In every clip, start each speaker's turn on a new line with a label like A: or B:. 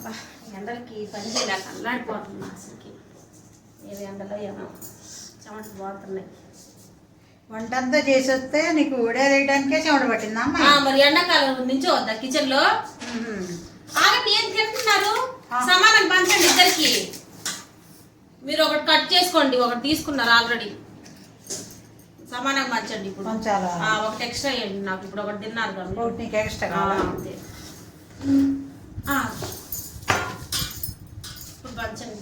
A: ఎండలకి పని చేయలేక అల్లాడిపోతున్నా అసలుకి. ఏవి ఎండలో ఏమో చెమట పోతున్నాయి.
B: వంటంతా చేసి వస్తే నీకు ఉడేయడానికే చెమట పట్టిందా
A: మరి ఎండాకాలం నుంచి వద్దా కిచెన్ లో ఆగండి. ఏం తింటున్నారు? సమానం పంచండి ఇద్దరికి. మీరు ఒకటి కట్ చేసుకోండి, ఒకటి తీసుకున్నారు ఆల్రెడీ. సమానంగా పంచండి. ఇప్పుడు ఒకటి ఎక్స్ట్రా వేయండి నాకు. ఇప్పుడు ఒకటి తిన్నారు కదా,
B: నీకు ఎక్స్ట్రా
A: అంతే. ఇప్పుడు పంచండి.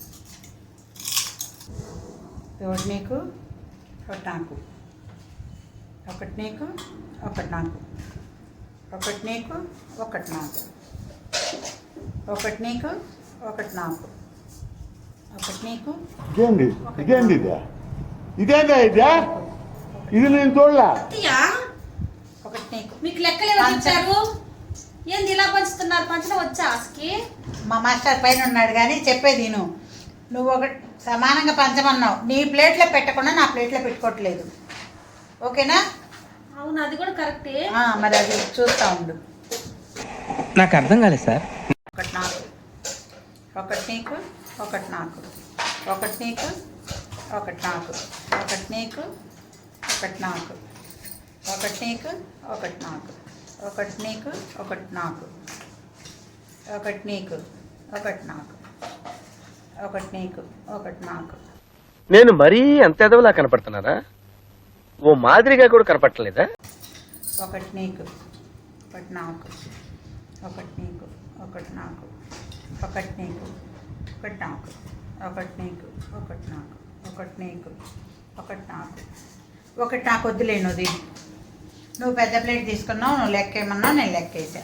B: ఒకటి నీకు ఒకటి నాకు, ఒకటి నీకు ఒకటి నాకు, ఒకటి నీకు ఒకటి నాకు, ఒకటి నీకు ఒకటి నాకు, ఒకటి నీకు.
C: ఇదేంటి ఇదేంటి ఇదేందా ఇదే? ఇది నేను చూడలా.
B: ఒకటి నీకు.
A: మీకు లెక్కలు ఎవరు చెప్పారు? ఏంది ఇలా పంచుతున్నారు? పంచడం వచ్చా ఆస్కి?
B: మా మాస్టర్ పైన ఉన్నాడు కానీ చెప్పేది నువ్వు ఒకటి సమానంగా పంచమన్నావు. నీ ప్లేట్లో పెట్టకుండా నా ప్లేట్లో పెట్టుకోవట్లేదు. ఓకేనా?
A: అవును, అది కూడా కరెక్టే.
B: మరి అది చూస్తా ఉండు.
D: నాకు అర్థం కాలేదు సార్.
B: ఒకటి నాకు, ఒకటి నీకు ఒకటి నాకు, ఒకటి నీకు ఒకటి నాకు, ఒకటి నీకు ఒకటి నాకు, ఒకటి నీకు ఒకటి నాకు, ఒకటి నీకు ఒకటి నాకు, ఒకటి నీకు ఒకటి నాకు, ఒకటి నీకు ఒకటి నాకు.
D: నేను మరీ అంత ఎదవలా కనపడుతున్నారా? ఓ మాదిరిగా కూడా కనపడలేదా?
B: ఒకటి నీకు ఒకటి నాకు, ఒకటి నీకు ఒకటి నాకు, ఒకటి నీకు ఒకటి నాకు, ఒకటి నీకు ఒకటి నాకు, ఒకటి నీకు ఒకటి నాకు, ఒకటి నాకు వద్దులేనుది. నువ్వు పెద్ద ప్లేట్ తీసుకున్నావు, నువ్వు లెక్క ఏమన్నావు, నేను లెక్క వేసా.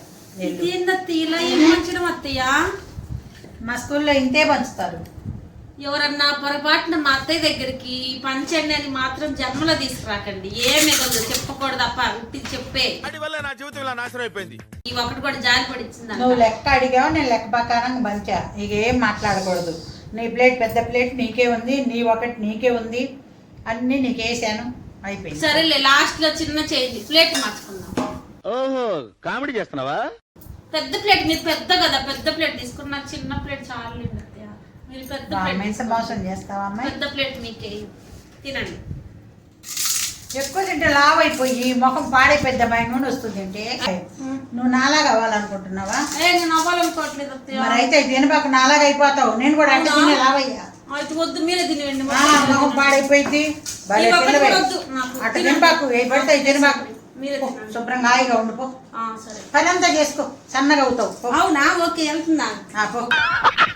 B: మా స్కూల్లో ఇంతే పంచుతారు.
A: ఎవరన్నా పొరపాటున మా అత్తయ్య దగ్గరికి పంచండి అని మాత్రం జన్మలో తీసుకురాకండి. ఏమే కొంచెం చెప్పకూడదు అప్ప, ఉట్టి చెప్పే. ఈ ఒకటి కూడా జారి పడిచ్చింది.
B: నువ్వు లెక్క అడిగావు, నేను లెక్క ప్రకారంగా పంచా. ఇక ఏం మాట్లాడకూడదు. నీ ప్లేట్ పెద్ద ప్లేట్ నీకే ఉంది, నీ ఒకటి నీకే ఉంది, అన్ని నీకేసాను, అయిపోయింది.
A: సరేలే, లాస్ట్ లో చిన్న చేయండి, ప్లేట్ మార్చుకుందాం.
D: ఓహో, కామెడీ చేస్తున్నావా?
A: పెద్ద ప్లేట్ మీరు పెద్ద కదా, పెద్ద ప్లేట్ తీసుకున్నారు. చిన్న ప్లేట్ చాలు. మీరు పెద్ద ప్లేట్
B: మోసం చేస్తావా అమ్మాయి?
A: పెద్ద ప్లేట్ మీకే తినండి.
B: ఎక్కువ తింటే లావ్ అయిపోయి ముఖం పాడైపోద్ది. నూనె వస్తుంది తింటే. నువ్వు నాలాగా అవ్వాలనుకుంటున్నావా?
A: నేను అవ్వాలనుకోవట్లేదు.
B: మరి అయితే తినబాక నాలాగా అయిపోతావు. నేను కూడా అంటే తినే లావయ్యా.
A: అయితే వద్దు, మీరే తినండి.
B: ముఖం పాడైపోయింది. అటు తినబాకు, ఏ పడితే తినబాకు. శుభ్రంగా హాయిగా ఉండిపో.
A: సరే,
B: పని అంతా చేసుకో, సన్నగా అవుతావు.
A: అవునా? ఓకే, వెళ్తున్నా.
B: పో.